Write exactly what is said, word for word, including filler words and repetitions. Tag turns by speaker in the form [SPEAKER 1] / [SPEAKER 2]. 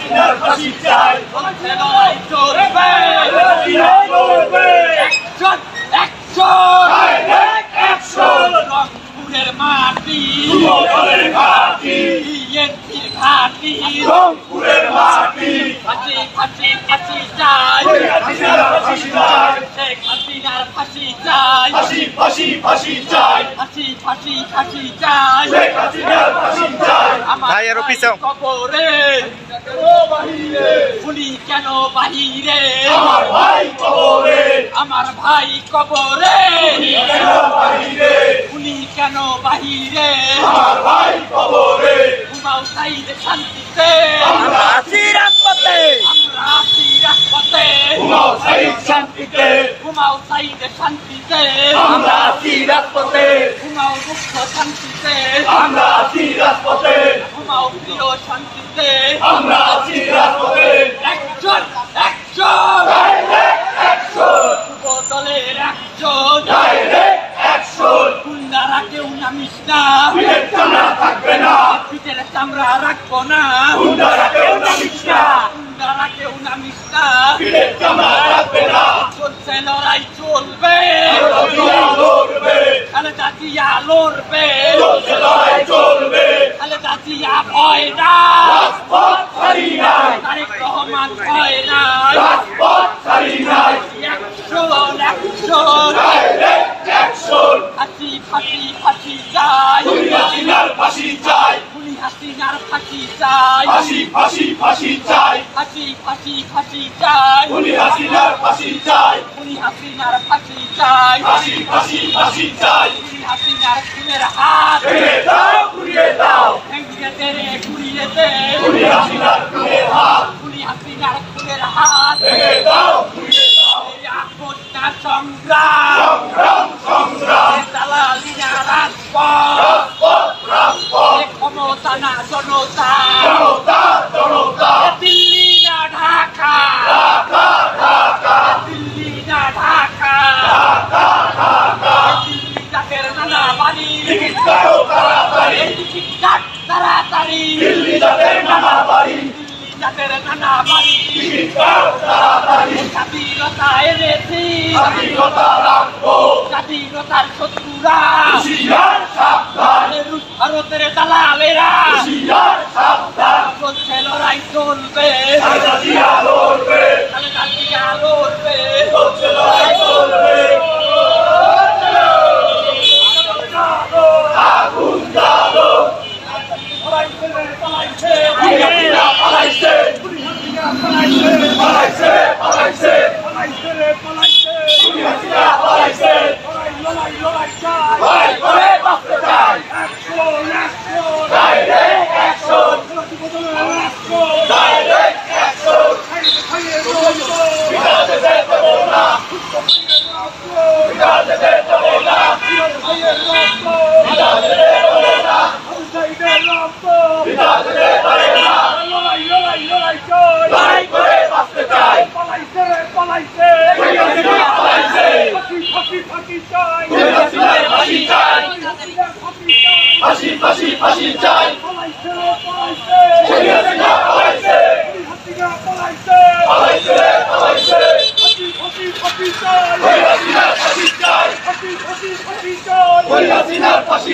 [SPEAKER 1] হাসিনার ফাঁসি চাই
[SPEAKER 2] চলছে লড়াই চলবে
[SPEAKER 1] চলবে
[SPEAKER 2] অ্যাকশন অ্যাকশন
[SPEAKER 1] ডাইরেক্ট অ্যাকশন
[SPEAKER 2] রংপুরের মাটি
[SPEAKER 1] যুবদলের ঘাঁটি
[SPEAKER 2] বিএনপির ঘাঁটি
[SPEAKER 1] রংপুরের মাটি
[SPEAKER 2] ফাঁসি ফাঁসি ফাঁসি চাই
[SPEAKER 1] হাসিনার ফাঁসি চাই
[SPEAKER 2] শেখ হাসিনার ফাঁসি চাই
[SPEAKER 1] ফাঁসি ফাঁসি ফাঁসি চাই
[SPEAKER 2] ফাঁসি ফাঁসি ফাঁসি চাই
[SPEAKER 1] শেখ হাসিনার ফাঁসি চাই
[SPEAKER 2] আমার
[SPEAKER 3] ভাই, আরো পিছাও।
[SPEAKER 2] কবরে
[SPEAKER 1] বাহিরে
[SPEAKER 2] উনি কেন বাহিরে
[SPEAKER 1] আমার ভাই কবরে
[SPEAKER 2] আমার ভাই কবরে
[SPEAKER 1] কেন বাহিরে
[SPEAKER 2] উনি কেন বাহিরে
[SPEAKER 1] আমার ভাই কবরে
[SPEAKER 2] ঘুমাও সাইদ শান্তিতে
[SPEAKER 1] আমরা
[SPEAKER 3] আছি রাজপথে
[SPEAKER 2] আমরা আছি রাজপথে
[SPEAKER 1] ঘুমাও সাইদ শান্তিতে
[SPEAKER 2] ঘুমাও সাইদ শান্তিতে
[SPEAKER 1] আমরা আছি রাজপথে
[SPEAKER 2] ঘুমাও মুক্ত শান্তিতে
[SPEAKER 1] আমরা আছি রাজপথে
[SPEAKER 2] ঘুমাও প্রিয় শান্তিতে
[SPEAKER 1] আমরা আছি রাজপথে
[SPEAKER 2] একজন একজন
[SPEAKER 1] ডাইরেক্ট অ্যাকশন
[SPEAKER 2] যুব দলের একজন
[SPEAKER 1] ডাইরেক্ট অ্যাকশন
[SPEAKER 2] গুন্ডারা কেউ নামিস না
[SPEAKER 1] পিঠের চামড়া থাকবে না
[SPEAKER 2] পিঠের চামড়া রাখবো না
[SPEAKER 1] গুন্ডারা কেউ নামিস না
[SPEAKER 2] গুন্ডারা কেউ নামিস না
[SPEAKER 1] পিঠের চামড়া থাকবে না
[SPEAKER 2] চলছে লড়াই চলবে
[SPEAKER 1] জিয়া লড়বে
[SPEAKER 2] খালেদা জিয়া লড়বে
[SPEAKER 1] চলছে লড়াই চলবে
[SPEAKER 2] খালেদা জিয়া ভয় না
[SPEAKER 1] রাজপথ ছাড়ি নাই
[SPEAKER 2] তারেক রহমান ভয় না
[SPEAKER 1] রাজপথ ছাড়ি নাই
[SPEAKER 2] একশন একশন
[SPEAKER 1] ডাইরেক্ট অ্যাকশন
[SPEAKER 2] ফাঁসি ফাঁসি ফাঁসি চাই
[SPEAKER 1] খুনি হাসিনার ফাঁসি চাই
[SPEAKER 2] খুনি হাসিনার ফাঁসি চাই
[SPEAKER 1] ফাঁসি ফাঁসি ফাঁসি চাই
[SPEAKER 2] ফাঁসি ফাঁসি ফাঁসি চাই
[SPEAKER 1] খুনি হাসিনার ফাঁসি চাই
[SPEAKER 2] খুনি হাসিনার ফাঁসি চাই
[SPEAKER 1] ফাঁসি ফাঁসি ফাঁসি চাই
[SPEAKER 2] খুনি হাসিনার খুনের হাত
[SPEAKER 1] ভেঙে দাও ঘুরিয়ে দাও
[SPEAKER 2] ভেঙে দে রে ঘুরিয়ে দে
[SPEAKER 1] খুনি হাসিনার খুনের হাত
[SPEAKER 2] খুনি হাসিনার খুনের হাত
[SPEAKER 1] ভেঙে দাও ঘুরিয়ে দাও
[SPEAKER 2] এই আপদটা সংগ্রাম
[SPEAKER 1] সংগ্রাম সংগ্রাম
[SPEAKER 2] দালালিনা রাজপথ
[SPEAKER 1] রাজপথ রাজপথ
[SPEAKER 2] এ ক্ষমতা না জনতা
[SPEAKER 1] জনতা জনতা
[SPEAKER 2] এ দিল্লি না ঢাকা
[SPEAKER 1] ঢাকা ঢাকা
[SPEAKER 2] দিল্লি না ঢাকা
[SPEAKER 1] ঢাকা ঢাকা
[SPEAKER 2] দিল্লি জাতের নানা বাড়ি
[SPEAKER 1] টিকিট কাটো তাড়াতাড়ি
[SPEAKER 2] এই টিকিট কাট তাড়াতাড়ি
[SPEAKER 1] দিল্লি যাদের নানা বাড়ি
[SPEAKER 2] দিল্লি জাতের নানা বাড়ি
[SPEAKER 1] টিকিট কাটো তাড়াতাড়ি
[SPEAKER 2] স্বাধীনতা এনেছি
[SPEAKER 1] স্বাধীনতা রাখবো
[SPEAKER 2] স্বাধীনতার শত্রুরা
[SPEAKER 1] হুশিয়ার সাবধান
[SPEAKER 2] রুশ ভারতের দালালেরা
[SPEAKER 1] হুশিয়ার সাবধান
[SPEAKER 2] চলছে লড়াই চলবে
[SPEAKER 1] খালেদা জিয়া লড়বে
[SPEAKER 2] খালেদা জিয়া লড়বে
[SPEAKER 1] চলছে লড়াই চলবে আগুন জ্বালো
[SPEAKER 2] পালাইছে
[SPEAKER 1] হাসিনা পালাইছে পালাইছে পালাইছে খুনি হাসিনা পালাইছে লড়াই করে বাঁচতে চাই ডাইরেক্ট অ্যাকশন ডাইরেক্ট অ্যাকশন বিকাশ যেতে দেবো না বিকাশ যেতে দেবো না বিকাশ যেতে পারে না বিকাশ যেতে পারে না লড়াই করে বাঁচতে চাই খুনি হাসিনা পালাইছে খুনি হাসিনার ফাঁসি চাই ফাঁসি ফাঁসি ফাঁসি চাই